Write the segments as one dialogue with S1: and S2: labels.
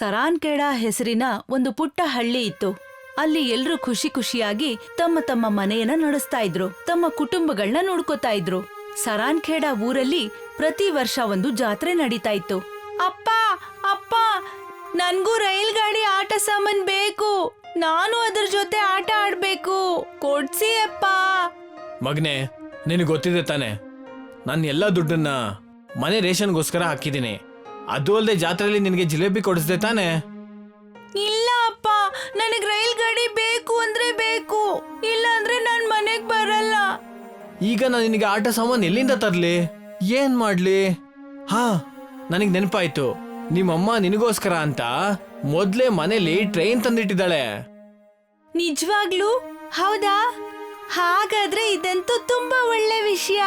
S1: ಸರಾನ್ಖೇಡ ಹೆಸರಿನ ಒಂದು ಪುಟ್ಟ ಹಳ್ಳಿ ಇತ್ತು. ಅಲ್ಲಿ ಎಲ್ರೂ ಖುಷಿ ಖುಷಿಯಾಗಿ ತಮ್ಮ ತಮ್ಮ ಮನೆಯನ್ನ ನಡೆಸ್ತಾ ಇದ್ರು, ತಮ್ಮ ಕುಟುಂಬಗಳನ್ನ ನೋಡ್ಕೋತಾ ಇದ್ರು. ಸರಾನ್ಖೇಡ ಊರಲ್ಲಿ ಪ್ರತಿ ವರ್ಷ ಒಂದು ಜಾತ್ರೆ ನಡೀತಾ ಇತ್ತು. ಅಪ್ಪ ಅಪ್ಪ, ನನ್ಗೂ ರೈಲ್ ಗಾಡಿ ಆಟ ಸಾಮಾನ್ ಬೇಕು, ನಾನು ಅದ್ರ ಜೊತೆ ಆಟ ಆಡ್ಬೇಕು, ಕೊಡ್ಸಿ ಅಪ್ಪ.
S2: ಮಗನೆ, ನಿನಗೆ ಗೊತ್ತಿದೆ ತಾನೆ, ನಾನು ಎಲ್ಲ ದುಡ್ಡನ್ನ ಮನೆ ರೇಷನ್ಗೋಸ್ಕರ ಹಾಕಿದ್ದೀನಿ. ಅದು ಅಲ್ಲದೆ ಜಾತ್ರೆಯಲ್ಲಿ ನಿನಗೆ ಜಿಲೇಬಿ ಕೊಡಿಸ್ದೆ ತಾನೆ?
S1: ಇಲ್ಲ ಅಪ್ಪ, ನನಗ್ ರೈಲ್ ಗಾಡಿ ಬೇಕು ಅಂದ್ರೆ ಬೇಕು, ಇಲ್ಲ ಅಂದ್ರೆ ನಾನ್ ಮನೆಗ್ ಬರಲ್ಲ.
S2: ಈಗ ನಾನು ನಿನಗೆ ಆಟ ಸಾಮಾನು ಎಲ್ಲಿಂದ ತರ್ಲಿ? ಏನ್ ಮಾಡ್ಲಿ? ಹಾ, ನನಗೆ ನೆನಪಾಯ್ತು, ನಿಮ್ಮಮ್ಮ ನಿನಗೋಸ್ಕರ ಅಂತ ಮೊದ್ಲೇ ಮನೇಲಿ ಟ್ರೈನ್ ತಂದಿಟ್ಟಿದ್ದಾಳೆ.
S1: ನಿಜವಾಗ್ಲೂ? ಹೌದಾ? ಹಾಗಾದ್ರೆ ಇದಂತೂ ತುಂಬಾ ಒಳ್ಳೆ ವಿಷಯ.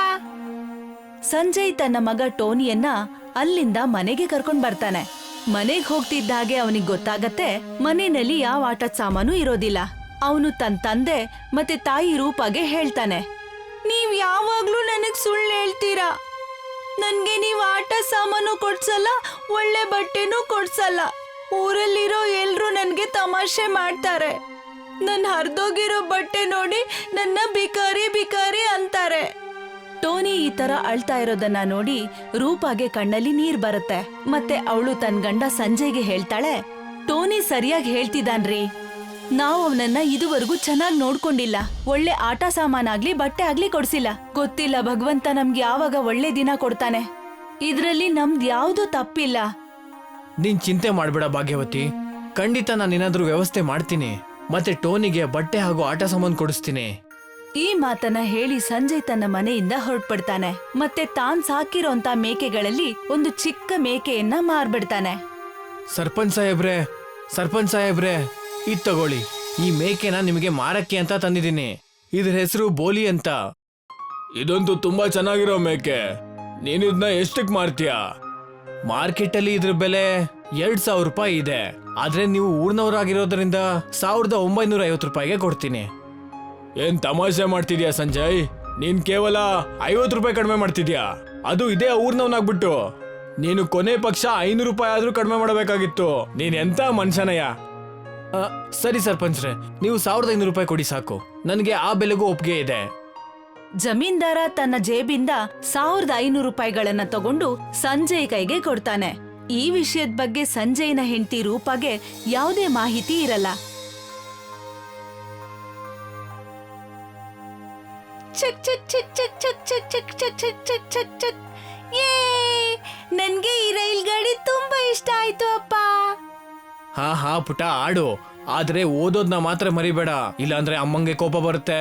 S1: ಸಂಜಯ್ ತನ್ನ ಮಗ ಟೋನಿಯನ್ನ ಅಲ್ಲಿಂದ ಮನೆಗೆ ಕರ್ಕೊಂಡ್ ಬರ್ತಾನೆ. ಮನೆಗ್ ಹೋಗ್ತಿದ್ದ ಹಾಗೆ ಅವನಿಗೆ ಗೊತ್ತಾಗತ್ತೆ ಮನೆಯಲ್ಲಿ ಯಾವ ಆಟದ ಸಾಮಾನು ಇರೋದಿಲ್ಲ. ಅವನು ತನ್ನ ತಂದೆ ಮತ್ತೆ ತಾಯಿ ರೂಪಾಗೆ ಹೇಳ್ತಾನೆ, ನೀವ್ ಯಾವಾಗ್ಲೂ ನನಗ್ ಸುಳ್ಳು ಹೇಳ್ತೀರಾ. ನನ್ಗೆ ನೀವ್ ಆಟ ಸಾಮಾನು ಕೊಡ್ಸಲ್ಲ, ಒಳ್ಳೆ ಬಟ್ಟೆನೂ ಕೊಡ್ಸಲ್ಲ. ಊರಲ್ಲಿರೋ ಎಲ್ರು ನನ್ಗೆ ತಮಾಷೆ ಮಾಡ್ತಾರೆ. ನನ್ ಹರಿದೋಗಿರೋ ಬಟ್ಟೆ ನೋಡಿ ನನ್ನ ಬಿಕಾರಿ ಬಿಕಾರಿ ಅಂತಾರೆ. ಟೋನಿ ಈ ತರ ಅಳ್ತಾ ಇರೋದನ್ನ ನೋಡಿ ರೂಪಾಗೆ ಕಣ್ಣಲ್ಲಿ ನೀರ್ ಬರುತ್ತೆ. ಮತ್ತೆ ಅವಳು ತನ್ನ ಗಂಡ ಸಂಜಯ್ಗೆ ಹೇಳ್ತಾಳೆ, ಟೋನಿ ಸರಿಯಾಗಿ ಹೇಳ್ತಿದ್ದಾನ್ರಿ, ನಾವು ಅವನನ್ನ ಇದುವರೆಗೂ ಚೆನ್ನಾಗಿ ನೋಡ್ಕೊಂಡಿಲ್ಲ. ಒಳ್ಳೆ ಆಟ ಸಾಮಾನಾಗ್ಲಿ ಬಟ್ಟೆ ಆಗ್ಲಿ ಕೊಡ್ಸಿಲ್ಲ. ಗೊತ್ತಿಲ್ಲ ಭಗವಂತ ನಮ್ಗೆ ಯಾವಾಗ ಒಳ್ಳೆ ದಿನ ಕೊಡ್ತಾನೆ. ಇದ್ರಲ್ಲಿ ನಮ್ದು ಯಾವ್ದು ತಪ್ಪಿಲ್ಲ.
S2: ನೀನ್ ಚಿಂತೆ ಮಾಡ್ಬೇಡ ಭಾಗ್ಯವತಿ, ಖಂಡಿತ ನಾನು ಏನಾದ್ರೂ ವ್ಯವಸ್ಥೆ ಮಾಡ್ತೀನಿ. ಮತ್ತೆ ಟೋನಿಗೆ ಬಟ್ಟೆ ಹಾಗೂ ಆಟ ಸಾಮಾನು ಕೊಡಿಸ್ತೀನಿ.
S1: ಈ ಮಾತನ್ನ ಹೇಳಿ ಸಂಜಯ್ ತನ್ನ ಮನೆಯಿಂದ ಹೊರಟ್ಬಿಡ್ತಾನೆ. ಮತ್ತೆ ತಾನ್ ಸಾಕಿರೋಂತ ಮೇಕೆಗಳಲ್ಲಿ ಒಂದು ಚಿಕ್ಕ ಮೇಕೆಯನ್ನ ಮಾರ್ಬಿಡ್ತಾನೆ.
S2: ಸರ್ಪಂಚ್ ಸಾಹೇಬ್ರೆ, ಇದ್ ತಗೊಳ್ಳಿ, ಈ ಮೇಕೆನ ನಿಮಗೆ ಮಾರಕ್ಕೆ ಅಂತ ತಂದಿದ್ದೀನಿ. ಇದ್ರ ಹೆಸರು ಬೋಲಿ ಅಂತ. ಇದಂತೂ ತುಂಬಾ ಚೆನ್ನಾಗಿರೋ ಮೇಕೆ, ನೀನು ಇದನ್ನ ಎಷ್ಟಕ್ ಮಾರ್ತೀಯಾ? ಮಾರ್ಕೆಟ್ ಅಲ್ಲಿ ಇದ್ರ ಬೆಲೆ 2,000 ರೂಪಾಯಿ ಇದೆ. ಆದ್ರೆ ನೀವು ಊರ್ನವರಾಗಿರೋದ್ರಿಂದ 1,950 ರೂಪಾಯಿಗೆ ಕೊಡ್ತೀನಿ. ಏನ್ ತಮಾಷೆ ಮಾಡ್ತಿದ್ಯಾ ಸಂಜಯ್? ನೀನ್ ಕೇವಲ 50 ರೂಪಾಯಿ ಕಡಿಮೆ ಮಾಡ್ತಿದ್ಯಾ, ಅದು ಇದೇ ಊರ್ನವನಾಗ್ಬಿಟ್ಟು. ನೀನು ಕೊನೆ ಪಕ್ಷ 500 ರೂಪಾಯಿ ಆದ್ರೂ ಕಡಿಮೆ ಮಾಡಬೇಕಾಗಿತ್ತು. ನೀನ್ ಎಂತ ಮನುಷ್ಯನಯ್ಯ? ಸರಿ ಸರ್ಪಂಚ್ರೆ, ನೀವು 1,500 ರೂಪಾಯಿ ಕೊಡಿ ಸಾಕು, ನನಗೆ ಆ ಬೆಲೆಗೂ ಒಪ್ಪಿಗೆ ಇದೆ.
S1: ಜಮೀನ್ದಾರ ತನ್ನ ಜೇಬಿಂದ 1,500 ರೂಪಾಯಿಗಳನ್ನ ತಗೊಂಡು ಸಂಜಯ್ ಕೈಗೆ ಕೊಡ್ತಾನೆ. ಈ ವಿಷಯದ ಬಗ್ಗೆ ಸಂಜಯ್ನ ಹೆಂಡತಿ ರೂಪಾಗೆ ಯಾವುದೇ ಮಾಹಿತಿ ಇರಲ್ಲ. ನನ್ಗೆ ಈ ರೈಲ್ ಗಾಡಿ ತುಂಬಾ ಇಷ್ಟ ಆಯ್ತು ಅಪ್ಪ.
S2: ಹಾ ಪುಟ, ಆಡು, ಆದ್ರೆ ಓದೋದ್ನ ಮಾತ್ರ ಮರಿಬೇಡ, ಇಲ್ಲಾಂದ್ರೆ ಅಮ್ಮಂಗೆ ಕೋಪ ಬರುತ್ತೆ.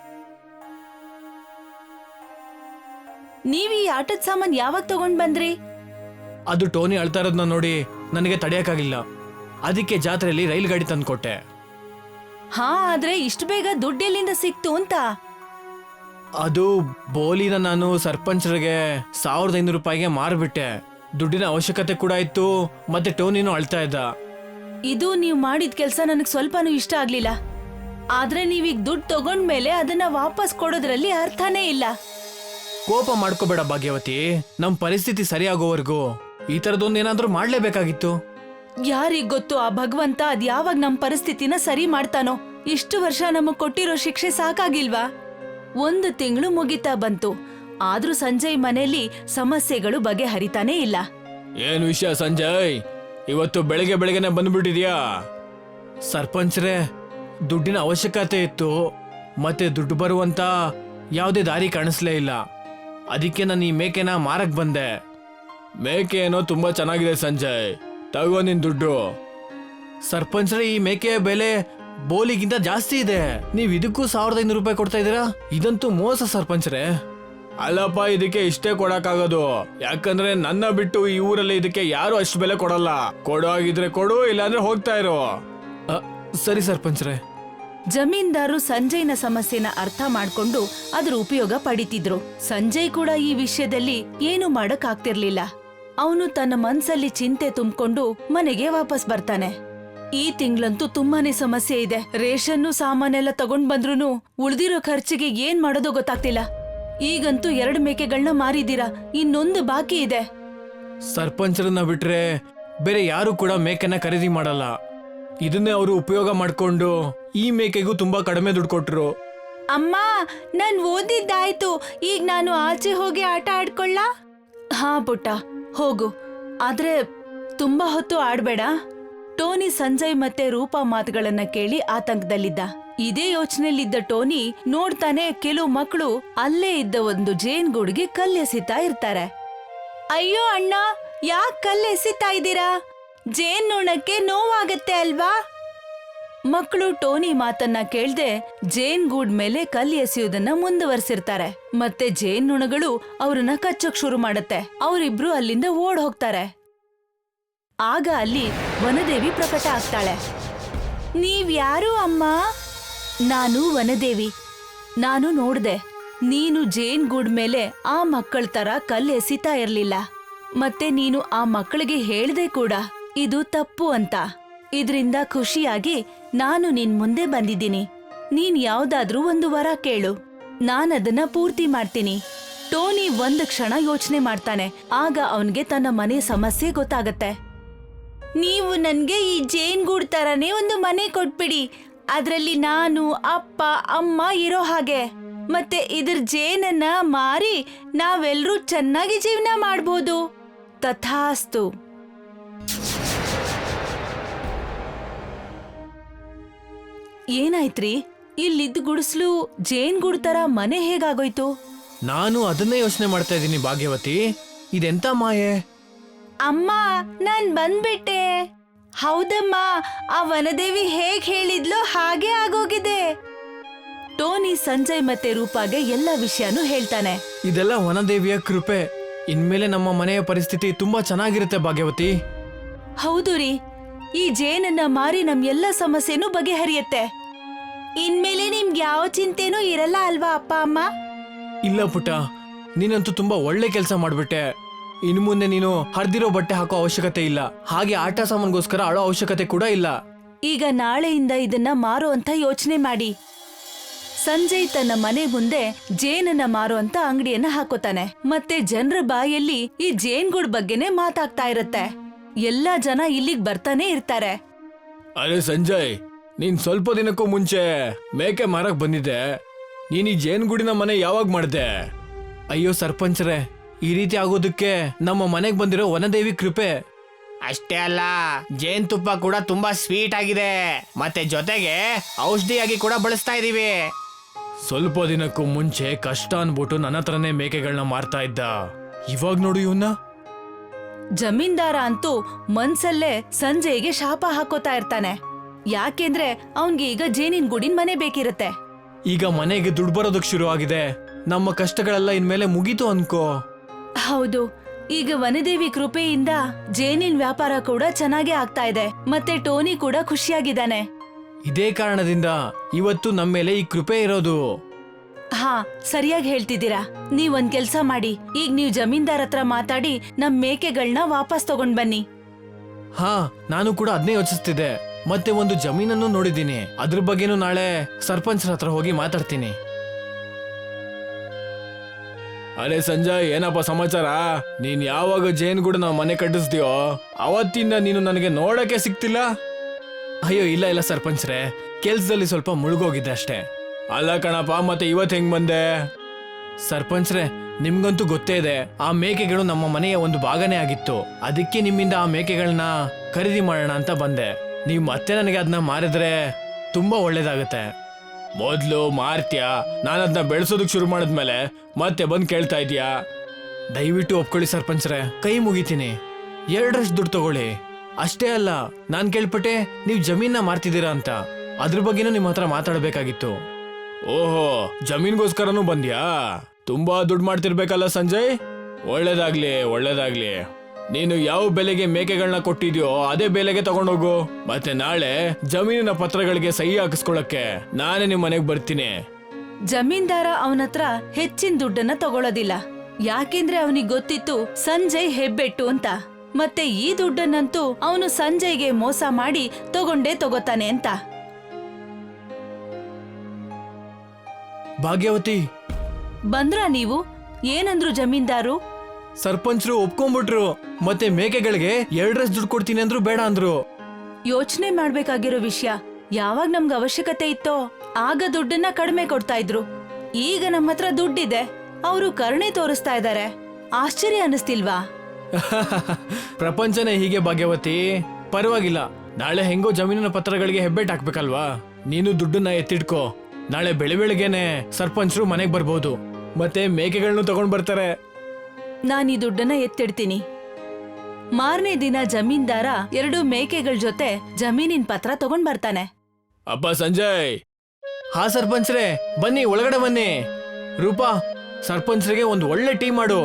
S1: ನೀವ್ ಈ ಆಟದ ಸಾಮಾನ್ ಯಾವಾಗ ತಗೊಂಡ್ ಬಂದ್ರಿ?
S2: ಅದು ಟೋನಿ ಅಳ್ತಾ ಇರೋದ್ನ ನೋಡಿ ನನಗೆ ತಡೆಯಕ್ಕಾಗಿಲ್ಲ, ಅದಕ್ಕೆ ಜಾತ್ರೆಯಲ್ಲಿ ರೈಲ್ ಗಾಡಿ ತಂದ್ಕೊಟ್ಟೆ.
S1: ಹಾ, ಆದ್ರೆ ಇಷ್ಟು ಬೇಗ ದುಡ್ಡೆಲ್ಲಿಂದ ಸಿಕ್ತು ಅಂತ?
S2: ಅದು ಬೋಲಿನ ನಾನು ಸರ್ಪಂಚರಿಗೆ 1,500 ರೂಪಾಯಿಗೆ ಮಾರ್ಬಿಟ್ಟೆ. ದುಡ್ಡಿನ ಅವಶ್ಯಕತೆ ಕೂಡ ಇತ್ತು, ಮತ್ತೆ ಟೋನಿನೂ ಅಳ್ತಾ ಇದ್ದ.
S1: ಇದು ನೀವ್ ಮಾಡಿದ ಕೆಲ್ಸ ನನಗ್ ಸ್ವಲ್ಪನೂ ಇಷ್ಟ ಆಗ್ಲಿಲ್ಲ. ಆದ್ರೆ ನೀವೀಗ ದುಡ್ಡು ತಗೊಂಡ್ಮೇಲೆ ಅದನ್ನ ವಾಪಸ್ ಕೊಡೋದ್ರಲ್ಲಿ ಅರ್ಥನೇ ಇಲ್ಲ.
S2: ಕೋಪ ಮಾಡ್ಕೋಬೇಡ ಭಾಗ್ಯವತಿ, ನಮ್ ಪರಿಸ್ಥಿತಿ ಸರಿಯಾಗೋವರೆಗೂ ಈ ತರದೊಂದೇನಾದ್ರೂ ಮಾಡ್ಲೇಬೇಕಾಗಿತ್ತು.
S1: ಯಾರಿಗ್ ಗೊತ್ತು ಆ ಭಗವಂತ ಅದ್ ಯಾವಾಗ ನಮ್ ಪರಿಸ್ಥಿತಿನ ಸರಿ ಮಾಡ್ತಾನೋ. ಇಷ್ಟು ವರ್ಷ ನಮಗ್ ಕೊಟ್ಟಿರೋ ಶಿಕ್ಷೆ ಸಾಕಾಗಿಲ್ವಾ? 1 ತಿಂಗಳು ಮುಗಿತಾ ಬಂತು, ಆದ್ರೂ ಸಂಜಯ್ ಮನೆಯಲ್ಲಿ ಸಮಸ್ಯೆಗಳು ಬಗೆಹರಿತಾನೇ ಇಲ್ಲ.
S2: ಏನ್ ವಿಷಯ ಸಂಜಯ್, ಇವತ್ತು ಬೆಳಗ್ಗೆನೆ ಬಂದ್ಬಿಟ್ಟಿದ್ಯಾ? ಸರ್ಪಂಚ್ರೆ, ದುಡ್ಡಿನ ಅವಶ್ಯಕತೆ ಇತ್ತು, ಮತ್ತೆ ದುಡ್ಡು ಬರುವಂತ ಯಾವುದೇ ದಾರಿ ಕಾಣಿಸ್ಲೇ ಇಲ್ಲ. ಅದಕ್ಕೆ ನಾನು ಈ ಮೇಕೆನ ಮಾರಕ್ ಬಂದೆ. ಮೇಕೆ ಏನೋ ತುಂಬಾ ಚೆನ್ನಾಗಿದೆ ಸಂಜಯ್, ತಗೋ ನಿನ್ ದುಡ್ಡು. ಸರ್ಪಂಚ್ರೆ, ಈ ಮೇಕೆಯ ಬೆಲೆ ಬೋಲಿಗಿಂತ ಜಾಸ್ತಿ ಇದೆ, ನೀವ್ ಇದಕ್ಕೂ 1,500 ರೂಪಾಯಿ ಕೊಡ್ತಾ ಇದೀರಾ? ಇದಂತೂ ಮೋಸ ಸರ್ಪಂಚ್ರೆ. ಅಲ್ಲಪ್ಪ, ಇದಕ್ಕೆ ಇಷ್ಟೇ ಕೊಡಕ್ಕಾಗೋದು, ಯಾಕಂದ್ರೆ ನನ್ನ ಬಿಟ್ಟು ಈ ಊರಲ್ಲಿ ಇದಕ್ಕೆ ಯಾರು ಅಷ್ಟು ಬೆಲೆ ಕೊಡಲ್ಲ. ಕೊಡೋ ಆಗಿದ್ರೆ ಕೊಡು, ಇಲ್ಲಾಂದ್ರೆ ಹೋಗ್ತಾ ಇರೋ. ಸರಿ ಸರ್ಪಂಚ್ರೆ.
S1: ಜಮೀನ್ದಾರು ಸಂಜಯ್ನ ಸಮಸ್ಯೆನ ಅರ್ಥ ಮಾಡ್ಕೊಂಡು ಅದ್ರ ಉಪಯೋಗ ಪಡಿತಿದ್ರು. ಸಂಜಯ್ ಕೂಡ ಈ ವಿಷಯದಲ್ಲಿ ಏನು ಮಾಡಕ್ ಆಗ್ತಿರ್ಲಿಲ್ಲ. ಅವನು ತನ್ನ ಮನ್ಸಲ್ಲಿ ಚಿಂತೆ ತುಂಬಿಕೊಂಡು ಮನೆಗೆ ವಾಪಸ್ ಬರ್ತಾನೆ. ಈ ತಿಂಗಳಂತೂ ತುಂಬಾನೇ ಸಮಸ್ಯೆ ಇದೆ. ರೇಷನ್ನು ಸಾಮಾನೆಲ್ಲ ತಗೊಂಡ್ ಬಂದ್ರೂ ಉಳ್ದಿರೋ ಖರ್ಚಿಗೆ ಏನ್ ಮಾಡೋದೋ ಗೊತ್ತಾಗ್ತಿಲ್ಲ. ಈಗಂತೂ 2 ಮೇಕೆಗಳನ್ನ ಮಾರಿದೀರಾ, ಇನ್ನೊಂದು ಬಾಕಿ ಇದೆ.
S2: ಸರ್ಪಂಚರನ್ನ ಬಿಟ್ರೆ ಬೇರೆ ಯಾರು ಕೂಡ ಮೇಕೆನ ಖರೀದಿ ಮಾಡಲ್ಲ. ಇದನ್ನೇ ಅವರು ಉಪಯೋಗ ಮಾಡ್ಕೊಂಡು ಈ ಮೇಕೆಗೂ ತುಂಬಾ ಕಡಿಮೆ ದುಡ್ಡು ಕೊಟ್ರು.
S1: ಅಮ್ಮ, ನಾನ್ ಓದಿದ್ದಾಯ್ತು. ಈಗ ನಾನು ಆಚೆ ಹೋಗಿ ಆಟ ಆಡ್ಕೊಳ್ಳ? ಹಾ ಪುಟ್ಟ, ಹೋಗು. ಆದ್ರೆ ತುಂಬಾ ಹೊತ್ತು ಆಡ್ಬೇಡ. ಟೋನಿ ಸಂಜಯ್ ಮತ್ತೆ ರೂಪಾ ಮಾತುಗಳನ್ನ ಕೇಳಿ ಆತಂಕದಲ್ಲಿದ್ದ. ಇದೇ ಯೋಚನೆಯಲ್ಲಿದ್ದ ಟೋನಿ ನೋಡ್ತಾನೆ ಕೆಲವು ಮಕ್ಕಳು ಅಲ್ಲೇ ಇದ್ದ ಒಂದು ಜೇನ್ಗೂಡ್ಗೆ ಕಲ್ಲೆಸಿತಾ ಇರ್ತಾರೆ. ಅಯ್ಯೋ ಅಣ್ಣ, ಯಾಕೆ ಕಲ್ಲೆಸಿತಾ ಇದ್ದೀರಾ? ಜೇನ್ ನುಣಕ್ಕೆ ನೋವಾಗತ್ತೆ ಅಲ್ವಾ? ಮಕ್ಕಳು ಟೋನಿ ಮಾತನ್ನ ಕೇಳ್ದೆ ಜೇನ್ಗೂಡ್ ಮೇಲೆ ಕಲ್ಲು ಎಸೆಯುವುದನ್ನ ಮುಂದುವರೆಸಿರ್ತಾರೆ. ಮತ್ತೆ ಜೇನುಣಗಳು ಅವ್ರನ್ನ ಕಚ್ಚೋಕ್ ಶುರು ಮಾಡತ್ತೆ. ಅವರಿಬ್ರು ಅಲ್ಲಿಂದ ಓಡ್ ಹೋಗ್ತಾರೆ. ಆಗ ಅಲ್ಲಿ ವನದೇವಿ ಪ್ರಕಟ ಆಗ್ತಾಳೆ. ನೀವ್ಯಾರು ಅಮ್ಮ? ನಾನು ವನದೇವಿ. ನಾನು ನೋಡ್ದೆ, ನೀನು ಜೇನ್ಗೂಡ್ ಮೇಲೆ ಆ ಮಕ್ಕಳ ತರ ಕಲ್ಲು ಎಸಿತಾ ಇರ್ಲಿಲ್ಲ. ಮತ್ತೆ ನೀನು ಆ ಮಕ್ಕಳಿಗೆ ಹೇಳ್ದೆ ಕೂಡ ಇದು ತಪ್ಪು ಅಂತ. ಇದ್ರಿಂದ ಖುಷಿಯಾಗಿ ನಾನು ನಿನ್ ಮುಂದೆ ಬಂದಿದ್ದೀನಿ. ನೀನ್ ಯಾವ್ದಾದ್ರೂ ಒಂದು ವರ ಕೇಳು, ನಾನದನ್ನ ಪೂರ್ತಿ ಮಾಡ್ತೀನಿ. ಟೋನಿ ಒಂದು ಕ್ಷಣ ಯೋಚನೆ ಮಾಡ್ತಾನೆ. ಆಗ ಅವನ್ಗೆ ತನ್ನ ಮನೆ ಸಮಸ್ಯೆ ಗೊತ್ತಾಗತ್ತೆ. ನೀವು ನನ್ಗೆ ಈ ಜೇನ್ಗೂಡ್ ತರನೇ ಒಂದು ಮನೆ ಕೊಟ್ಬಿಡಿ. ಅದ್ರಲ್ಲಿ ನಾನು, ಅಪ್ಪ, ಅಮ್ಮ ಇರೋ ಹಾಗೆ. ಮತ್ತೆ ಇದ್ರ ಜೇನನ್ನ ಮಾರಿ ನಾವೆಲ್ರೂ ಚೆನ್ನಾಗಿ ಜೀವನ ಮಾಡ್ಬೋದು. ತಥಾಸ್ತು. ಏನಾಯ್ತ್ರಿ? ಇಲ್ಲಿದ್ದ ಗುಡಿಸ್ಲು ಜೇನ್ಗೂಡ್ ತರ ಮನೆ ಹೇಗಾಗೋಯ್ತು?
S2: ನಾನು ಅದನ್ನೇ ಯೋಚನೆ ಮಾಡ್ತಾ ಇದ್ದೀನಿ ಭಾಗ್ಯವತಿ. ಇದೆಂತ ಮಾಯೆ?
S1: ಅಮ್ಮ, ನಾನ್ ಬಂದ್ಬಿಟ್ಟೆ. ಹೌದಮ್ಮ, ಆ ವನದೇವಿ ಹೇಗ್ ಹೇಳಿದ್ಲೋ ಹಾಗೆ ಆಗೋಗಿದೆ. ಟೋನಿ ಸಂಜಯ್ ಮತ್ತೆ ರೂಪಾಗೆ ಎಲ್ಲ ವಿಷಯನೂ ಹೇಳ್ತಾನೆ.
S2: ಇದೆಲ್ಲ ವನದೇವಿಯ ಕೃಪೆ. ಇನ್ಮೇಲೆ ನಮ್ಮ ಮನೆಯ ಪರಿಸ್ಥಿತಿ ತುಂಬಾ ಚೆನ್ನಾಗಿರುತ್ತೆ ಭಾಗ್ಯವತಿ.
S1: ಹೌದು ರೀ, ಈ ಜೇನನ್ನ ಮಾರಿ ನಮ್ ಎಲ್ಲ ಸಮಸ್ಯೆನೂ ಬಗೆಹರಿಯತ್ತೆ. ಇನ್ಮೇಲೆ ನಿಮ್ಗೆ ಯಾವ ಚಿಂತೆನೂ ಇರಲ್ಲ ಅಲ್ವಾ ಅಪ್ಪ ಅಮ್ಮ?
S2: ಇಲ್ಲ ಪುಟ್ಟ, ನೀನಂತೂ ತುಂಬಾ ಒಳ್ಳೆ ಕೆಲಸ ಮಾಡ್ಬಿಟ್ಟೆ. ಇನ್ನು ಮುಂದೆ ನೀನು ಹರಿದಿರೋ ಬಟ್ಟೆ ಹಾಕೋ ಅವಶ್ಯಕತೆ ಇಲ್ಲ. ಹಾಗೆ ಆಟ ಸಾಮಾನ್ಗೋಸ್ಕರ ಅಳೋ ಅವಶ್ಯಕತೆ ಕೂಡ ಇಲ್ಲ.
S1: ಈಗ ನಾಳೆಯಿಂದ ಇದನ್ನ ಮಾರೋ ಅಂತ ಯೋಚನೆ ಮಾಡಿ. ಸಂಜಯ್ ತನ್ನ ಮನೆ ಮುಂದೆ ಜೇನನ್ನ ಮಾರೋ ಅಂತ ಅಂಗಡಿಯನ್ನ ಹಾಕೋತಾನೆ. ಮತ್ತೆ ಜನರ ಬಾಯಲ್ಲಿ ಈ ಜೇನ್ಗೂಡ್ ಬಗ್ಗೆನೆ ಮಾತಾಗ್ತಾ ಇರತ್ತೆ. ಎಲ್ಲಾ ಜನ ಇಲ್ಲಿಗ್ ಬರ್ತಾನೆ ಇರ್ತಾರೆ.
S2: ಅರೆ ಸಂಜಯ್, ನೀನ್ ಸ್ವಲ್ಪ ದಿನಕ್ಕೂ ಮುಂಚೆ ಮೇಕೆ ಮಾರಕ್ ಬಂದಿದ್ದೆ. ನೀನ್ ಈ ಜೇನ್ಗೂಡಿನ ಮನೆ ಯಾವಾಗ ಮಾಡ್ದೆ? ಅಯ್ಯೋ ಸರ್ಪಂಚ್ರೆ, ಈ ರೀತಿ ಆಗೋದಕ್ಕೆ ನಮ್ಮ ಮನೆಗ್ ಬಂದಿರೋ ವನದೇವಿ ಕೃಪೆ.
S3: ಅಷ್ಟೇ ಅಲ್ಲ, ಜೇನ್ ತುಪ್ಪ ಕೂಡ ತುಂಬಾ ಸ್ವೀಟ್ ಆಗಿದೆ. ಮತ್ತೆ ಜೊತೆಗೆ ಔಷಧಿಯಾಗಿ ಕೂಡ ಬಳಸ್ತಾ ಇದೀವಿ.
S2: ಸ್ವಲ್ಪ ದಿನಕ್ಕೂ ಮುಂಚೆ ಕಷ್ಟ ಅನ್ಬಿಟ್ಟು ನನ್ನ ಹತ್ರನೇ ಮೇಕೆಗಳನ್ನ ಮಾರ್ತಾ ಇದ್ದ. ಇವಾಗ ನೋಡು ಇವನ್ನ.
S1: ಜಮೀನ್ದಾರ ಅಂತೂ ಮನ್ಸಲ್ಲೇ ಸಂಜಯ್ಗೆ ಶಾಪ ಹಾಕೋತಾ ಇರ್ತಾನೆ. ಯಾಕೆಂದ್ರೆ ಅವನ್ಗೆ ಈಗ ಜೇನಿನ ಗೂಡಿನ ಮನೆ ಬೇಕಿರತ್ತೆ.
S2: ಈಗ ಮನೆಗೆ ದುಡ್ಡು ಬರೋದಕ್ ಶುರು ಆಗಿದೆ. ನಮ್ಮ ಕಷ್ಟಗಳೆಲ್ಲ ಇನ್ಮೇಲೆ ಮುಗೀತು ಅನ್ಕೋ.
S1: ಹೌದು, ಈಗ ವನದೇವಿ ಕೃಪೆಯಿಂದ ಜೇನಿನ ವ್ಯಾಪಾರ ಕೂಡ ಚೆನ್ನಾಗಿ ಆಗ್ತಾ ಇದೆ. ಮತ್ತೆ ಟೋನಿ ಕೂಡ ಖುಷಿಯಾಗಿದ್ದಾನೆ.
S2: ಇದೇ ಕಾರಣದಿಂದ ಇವತ್ತು ನಮ್ಮ ಮೇಲೆ ಈ ಕೃಪೆ ಇರೋದು.
S1: ಹಾ, ಸರಿಯಾಗಿ ಹೇಳ್ತಿದ್ದೀರಾ. ನೀವೊಂದ್ ಕೆಲ್ಸ ಮಾಡಿ, ಈಗ ನೀವ್ ಜಮೀನ್ದಾರ್ ಹತ್ರ ಮಾತಾಡಿ ನಮ್ ಮೇಕೆಗಳನ್ನ ವಾಪಸ್ ತಗೊಂಡ್ ಬನ್ನಿ.
S2: ಹಾ, ನಾನು ಕೂಡ ಅದನ್ನೇ ಯೋಚಿಸ್ತಿದ್ದೆ. ಮತ್ತೆ ಒಂದು ಜಮೀನನ್ನು ನೋಡಿದ್ದೀನಿ. ಅದ್ರ ಬಗ್ಗೆನೂ ನಾಳೆ ಸರ್ಪಂಚರ ಹತ್ರ ಹೋಗಿ ಮಾತಾಡ್ತೀನಿ. ಅರೆ ಸಂಜಯ್, ಏನಪ್ಪ ಸಮಾಚಾರ? ನೀನ್ ಯಾವಾಗ ಜೇನ್ಗೂಡ ನಾವು ಮನೆ ಕಟ್ಟಿಸ್ತೀಯೋ ಅವತ್ತಿಂದ ನೀನು ನನಗೆ ನೋಡಕ್ಕೆ ಸಿಕ್ತಿಲ್ಲ. ಅಯ್ಯೋ ಇಲ್ಲ ಸರ್ಪಂಚ್ರೆ, ಕೆಲ್ಸದಲ್ಲಿ ಸ್ವಲ್ಪ ಮುಳುಗೋಗಿದ್ದೆ ಅಷ್ಟೇ. ಅಲ್ಲ ಕಣಪ್ಪ, ಮತ್ತೆ ಇವತ್ ಹೆಂಗ್ ಬಂದೆ? ಸರ್ಪಂಚ್ರೆ, ನಿಮ್ಗಂತೂ ಗೊತ್ತೇ ಇದೆ, ಆ ಮೇಕೆಗಳು ನಮ್ಮ ಮನೆಯ ಒಂದು ಭಾಗನೇ ಆಗಿತ್ತು. ಅದಕ್ಕೆ ನಿಮ್ಮಿಂದ ಆ ಮೇಕೆಗಳನ್ನ ಖರೀದಿ ಮಾಡೋಣ ಅಂತ ಬಂದೆ. ನೀವ್ ಮತ್ತೆ ನನಗೆ ಅದನ್ನ ಮಾರಿದ್ರೆ ತುಂಬಾ ಒಳ್ಳೇದಾಗತ್ತೆ. ಮೊದ್ಲು ಮಾರ್ತ್ಯಾ, ನಾನು ಅದನ್ನ ಬೆಳೆಸೋದಕ್ ಶುರು ಮಾಡಿದ್ಮೇಲೆ ಮತ್ತೆ ಬಂದ್ ಕೇಳ್ತಾ ಇದೀಯಾ? ದಯವಿಟ್ಟು ಒಪ್ಕೊಳ್ಳಿ ಸರ್ಪಂಚ್ರೆ, ಕೈ ಮುಗಿತೀನಿ. 2ರಷ್ಟು ದುಡ್ಡು ತಗೊಳ್ಳಿ. ಅಷ್ಟೇ ಅಲ್ಲ, ನಾನ್ ಕೇಳ್ಪಟ್ಟೆ ನೀವ್ ಜಮೀನ ಮಾರ್ತಿದ್ದೀರಾ ಅಂತ. ಅದ್ರ ಬಗ್ಗೆನೂ ನಿಮ್ ಹತ್ರ ಮಾತಾಡ್ಬೇಕಾಗಿತ್ತು. ಓಹೋ, ಜಮೀನ್ಗೋಸ್ಕರನೂ ಬಂದ್ಯಾ? ತುಂಬಾ ದುಡ್ಡು ಮಾಡ್ತಿರ್ಬೇಕಲ್ಲ ಸಂಜಯ್. ಒಳ್ಳೇದಾಗ್ಲಿ. ನೀನು ಯಾವ ಬೆಲೆಗೆ ಮೇಕೆಗಳನ್ನ ಕೊಟ್ಟಿದ್ಯೋ ಅದೇ ಬೆಲೆಗೆ ತಗೊಂಡೋಗು. ಮತ್ತೆ ನಾಳೆ ಜಮೀನಿನ ಪತ್ರಗಳಿಗೆ ಸಹಿ ಹಾಕಿಸ್ಕೊಳಕ್ಕೆ ನಾನೇ ನಿಮ್ ಮನೆಗ್ ಬರ್ತೀನಿ.
S1: ಜಮೀನ್ದಾರ ಅವನತ್ರ ಹೆಚ್ಚಿನ ದುಡ್ಡನ್ನ ತಗೊಳ್ಳೋದಿಲ್ಲ. ಯಾಕೆಂದ್ರೆ ಅವನಿಗೆ ಗೊತ್ತಿತ್ತು ಸಂಜಯ್ ಹೆಬ್ಬೆಟ್ಟು ಅಂತ. ಮತ್ತೆ ಈ ದುಡ್ಡನ್ನಂತೂ ಅವನು ಸಂಜಯ್ಗೆ ಮೋಸ ಮಾಡಿ ತಗೋತಾನೆ ಅಂತ.
S2: ಭಾಗ್ಯವತಿ,
S1: ಬಂದ್ರಾ ನೀವು? ಏನಂದ್ರು ಜಮೀನ್ದಾರು?
S2: ಸರ್ಪಂಚರು ಒಪ್ಕೊಂಡ್ಬಿಟ್ರು. ಮತ್ತೆ ಮೇಕೆಗಳಿಗೆ 2 ದುಡ್ಡು ಕೊಡ್ತೀನಿ ಅಂದ್ರು ಬೇಡ ಅಂದ್ರು.
S1: ಯೋಚನೆ ಮಾಡ್ಬೇಕಾಗಿರೋ ವಿಷಯ, ಯಾವಾಗ ನಮ್ಗೆ ಅವಶ್ಯಕತೆ ಇತ್ತೋ ಆಗ ದುಡ್ಡನ್ನ ಕಡಿಮೆ ಕೊಡ್ತಾ ಇದ್ರು. ಈಗ ನಮ್ಮ ಹತ್ರ ದುಡ್ಡಿದೆ, ಅವರು ಕರುಣೆ ತೋರಿಸ್ತಾ ಇದ್ದಾರೆ. ಆಶ್ಚರ್ಯ ಅನಿಸ್ತಿಲ್ವಾ?
S2: ಪ್ರಪಂಚನೇ ಹೀಗೆ ಭಾಗ್ಯವತಿ. ಪರವಾಗಿಲ್ಲ, ನಾಳೆ ಹೆಂಗೋ ಜಮೀನಿನ ಪತ್ರಗಳಿಗೆ ಹೆಬ್ಬೆಟ್ ಹಾಕ್ಬೇಕಲ್ವಾ? ನೀನು ದುಡ್ಡನ್ನ ಎತ್ತಿಡ್ಕೋ. ನಾಳೆ ಬೆಳಿಗ್ಗೆನೆ ಸರ್ಪಂಚರು ಮನೆಗ್ ಬರ್ಬೋದು, ಮತ್ತೆ ಮೇಕೆಗಳನ್ನು ತಗೊಂಡ್ ಬರ್ತಾರೆ.
S1: ನಾನ್ ಈ ದುಡ್ಡನ್ನ ಎತ್ತಿಡ್ತೀನಿ. ಮಾರನೇ ದಿನ ಜಮೀನ್ದಾರ 2 ಮೇಕೆಗಳ ಜೊತೆ ಜಮೀನಿನ ಪತ್ರ ತಗೊಂಡ್ ಬರ್ತಾನೆ.
S2: ಅಪ್ಪ ಸಂಜಯ್. ಹಾ ಸರ್ಪಂಚ್ರೆ, ಬನ್ನಿ ಒಳಗಡೆ ಬನ್ನಿ. ರೂಪಾ, ಸರ್ಪಂಚ್ರಿಗೆ ಒಂದು ಒಳ್ಳೆ ಟೀ ಮಾಡು.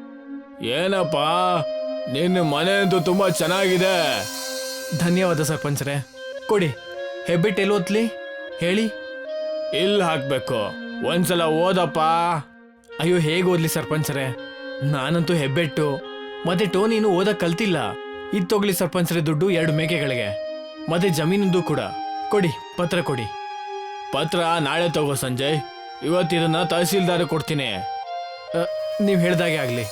S2: ಏನಪ್ಪ, ನಿನ್ನ ಮನೆ ಅಂತೂ ತುಂಬಾ ಚೆನ್ನಾಗಿದೆ. ಧನ್ಯವಾದ ಸರ್ಪಂಚ್ರೆ. ಕೊಡಿ, ಹೆಬ್ಬೆಟ್ ಎಲ್ಲಿ ಓದ್ಲಿ ಹೇಳಿ. ಇಲ್ಲಿ ಹಾಕ್ಬೇಕು, ಒಂದ್ಸಲ ಓದಪ್ಪ. ಅಯ್ಯೋ, ಹೇಗೆ ಓದ್ಲಿ ಸರ್ಪಂಚ್ರೆ, ನಾನಂತೂ ಹೆಬ್ಬೆಟ್ಟು ಮತ್ತೆ ಟೋನಿನು ಓದಕ್ ಕಲ್ತಿಲ್ಲ. ಇದ್ ತಗೊಳ್ಳಿ ಸರ್ಪಂಚ್ರೆ ದುಡ್ಡು 2 ಮೇಕೆಗಳಿಗೆ, ಮತ್ತೆ ಜಮೀನಿಂದು ಕೂಡ. ಕೊಡಿ, ಪತ್ರ ಕೊಡಿ. ಪತ್ರ ನಾಳೆ ತಗೋ ಸಂಜಯ್, ಇವತ್ತಿದನ್ನ ತಹಸೀಲ್ದಾರ್ ಕೊಡ್ತೀನಿ. ನೀವ್ ಹೇಳ್ದಾಗೆ ಆಗ್ಲಿ.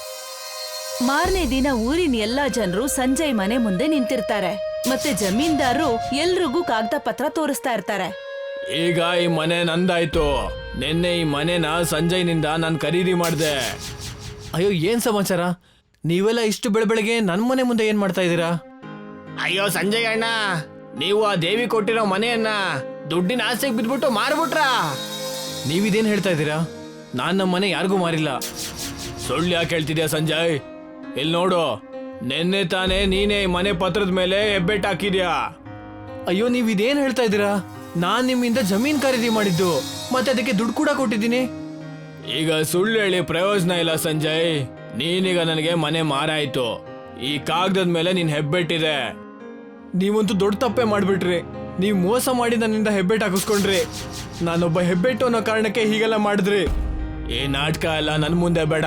S1: ಮಾರನೇ ದಿನ ಊರಿನ ಎಲ್ಲಾ ಜನರು ಸಂಜಯ್ ಮನೆ ಮುಂದೆ ನಿಂತಿರ್ತಾರೆ. ಮತ್ತೆ ಜಮೀನ್ದಾರರು ಎಲ್ರಿಗೂ ಕಾಗದ ಪತ್ರ ತೋರಿಸ್ತಾ ಇರ್ತಾರೆ.
S2: ಈಗ ಈ ಮನೆ ನಂದಾಯ್ತು. ನಿನ್ನೆ ಈ ಮನೆನ ಸಂಜಯ್ನಿಂದ ನಾನು ಖರೀದಿ ಮಾಡಿದೆ. ಅಯ್ಯೋ, ಏನ್ ಸಮಾಚಾರ? ನೀವೆಲ್ಲ ಇಷ್ಟು ಬೆಳಬೆಳಗ್ಗೆ ನನ್ ಮನೆ ಮುಂದೆ ಏನ್ ಮಾಡ್ತಾ ಇದ್ದೀರಾ?
S3: ಅಯ್ಯೋ ಸಂಜಯ್ ಅಣ್ಣ, ನೀವು ಆ ದೇವಿ ಕೊಟ್ಟಿರೋ ಮನೆಯನ್ನ ದುಡ್ಡಿನ ಆಸೆಗೆ ಬಿದ್ಬಿಟ್ಟು ಮಾರ್ಬಿಟ್ರಾ?
S2: ನೀವಿದೇನ್ ಹೇಳ್ತಾ ಇದ್ದೀರಾ? ನಾನ್ ನಮ್ಮ ಮನೆ ಯಾರಿಗೂ ಮಾರಿಲ್ಲ. ಸುಳ್ಳು ಯಾಕೆ ಹೇಳ್ತಿದ್ಯಾ ಸಂಜಯ್? ಇಲ್ಲಿ ನೋಡು, ನಿನ್ನೆ ತಾನೇ ನೀನೇ ಈ ಮನೆ ಪತ್ರದ ಮೇಲೆ ಹೆಬ್ಬೆಟ್ ಹಾಕಿದ್ಯಾ. ಅಯ್ಯೋ, ನೀವಿದೇನ್ ಹೇಳ್ತಾ ಇದ್ದೀರಾ? ನಾನ್ ನಿಮ್ಮಿಂದ ಜಮೀನ್ ಖರೀದಿ ಮಾಡಿದ್ದು, ಮತ್ತೆ ಅದಕ್ಕೆ ದುಡ್ಡು ಕೂಡ ಕೊಟ್ಟಿದ್ದೀನಿ. ಈಗ ಸುಳ್ಳು ಹೇಳಿ ಪ್ರಯೋಜನ ಇಲ್ಲ ಸಂಜಯ್. ನೀನೀಗ ನನಗೆ ಮನೆ ಮಾರಾಯ್ತು. ಈ ಕಾಗದದ ಮೇಲೆ ನಿನ್ ಹೆಬ್ಬೆಟ್ಟಿದೆ. ನೀವಂತೂ ದೊಡ್ಡ ತಪ್ಪೆ ಮಾಡ್ಬಿಟ್ರಿ. ನೀವ್ ಮೋಸ ಮಾಡಿ ನನ್ನಿಂದ ಹೆಬ್ಬೆಟ್ ಹಾಕಿಸ್ಕೊಂಡ್ರಿ. ನಾನೊಬ್ಬ ಹೆಬ್ಬೆಟ್ಟು ಅನ್ನೋ ಕಾರಣಕ್ಕೆ ಹೀಗೆಲ್ಲ ಮಾಡಿದ್ರಿ. ಈ ನಾಟಕ ಎಲ್ಲ ನನ್ ಮುಂದೆ ಬೇಡ.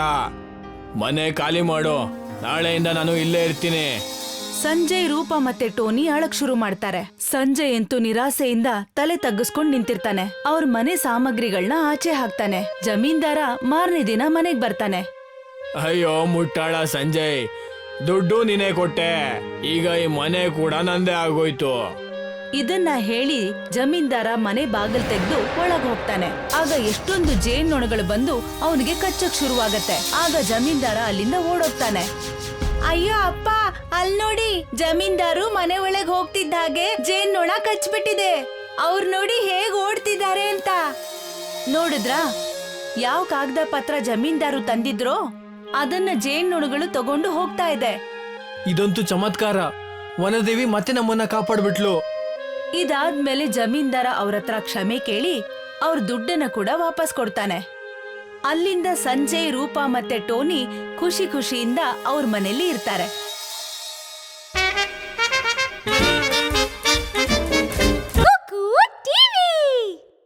S2: ಮನೆ ಖಾಲಿ ಮಾಡು. ನಾಳೆಯಿಂದ ನಾನು ಇಲ್ಲೇ ಇರ್ತೀನಿ.
S1: ಸಂಜಯ್, ರೂಪಾ ಮತ್ತೆ ಟೋನಿ ಅಳಕ್ ಶುರು ಮಾಡ್ತಾರೆ. ಸಂಜಯ್ ಅಂತೂ ನಿರಾಸೆಯಿಂದ ತಲೆ ತಗ್ಗಿಸ್ಕೊಂಡ್ ನಿಂತಿರ್ತಾನೆ. ಅವ್ರ ಮನೆ ಸಾಮಗ್ರಿಗಳನ್ನ ಆಚೆ ಹಾಕ್ತಾನೆ. ಜಮೀನ್ದಾರ ಮಾರನೇ ದಿನ ಮನೆಗ್ ಬರ್ತಾನೆ.
S2: ಅಯ್ಯೋ ಮುಟ್ಟಾಳ ಸಂಜಯ್, ದುಡ್ಡು ನೀನೇ ಕೊಟ್ಟೆ. ಈಗ ಈ ಮನೆ ಕೂಡ ನಂದೇ ಆಗೋಯ್ತು.
S1: ಇದನ್ನ ಹೇಳಿ ಜಮೀನ್ದಾರ ಮನೆ ಬಾಗಿಲ್ ತೆಗೆದು ಒಳಗ್ ಹೋಗ್ತಾನೆ. ಆಗ ಎಷ್ಟೊಂದು ಜೇನ್ನೊಣಗಳು ಬಂದು ಅವನಿಗೆ ಕಚ್ಚಕ್ ಶುರುವಾಗತ್ತೆ. ಆಗ ಜಮೀನ್ದಾರ ಅಲ್ಲಿಂದ ಓಡೋಗ್ತಾನೆ. ಅಯ್ಯೋ ಅಪ್ಪ, ಅಲ್ ನೋಡಿ, ಜಮೀನ್ದಾರು ಮನೆ ಒಳಗ್ ಹೋಗ್ತಿದ್ದ ಹಾಗೆ ಜೇನ್ನೊಣ ಕಚ್ಬಿಟ್ಟಿದೆ. ಅವ್ರು ನೋಡಿ ಹೇಗ್ ಓಡ್ತಿದ್ದಾರೆ ಅಂತ. ನೋಡಿದ್ರಾ, ಯಾವ ಕಾಗದ ಪತ್ರ ಜಮೀನ್ದಾರು ತಂದಿದ್ರೋ ಅದನ್ನ ಜೇನ್ನೊಣಗಳು ತಗೊಂಡು ಹೋಗ್ತಾ ಇದೆ.
S2: ಇದಂತೂ ಚಮತ್ಕಾರ. ವನದೇವಿ ಮತ್ತೆ ನಮ್ಮನ್ನ ಕಾಪಾಡ್ಬಿಟ್ಲು.
S1: ಇದಾದ್ಮೇಲೆ ಜಮೀನ್ದಾರ ಅವ್ರ ಹತ್ರ ಕ್ಷಮೆ ಕೇಳಿ ಅವ್ರ ದುಡ್ಡನ್ನ ಕೂಡ ವಾಪಸ್ ಕೊಡ್ತಾನೆ. ಅಲ್ಲಿಂದ ಸಂಜಯ್, ರೂಪಾ ಮತ್ತೆ ಟೋನಿ ಖುಷಿ ಖುಷಿಯಿಂದ ಅವ್ರ ಮನೇಲಿ ಇರ್ತಾರೆ.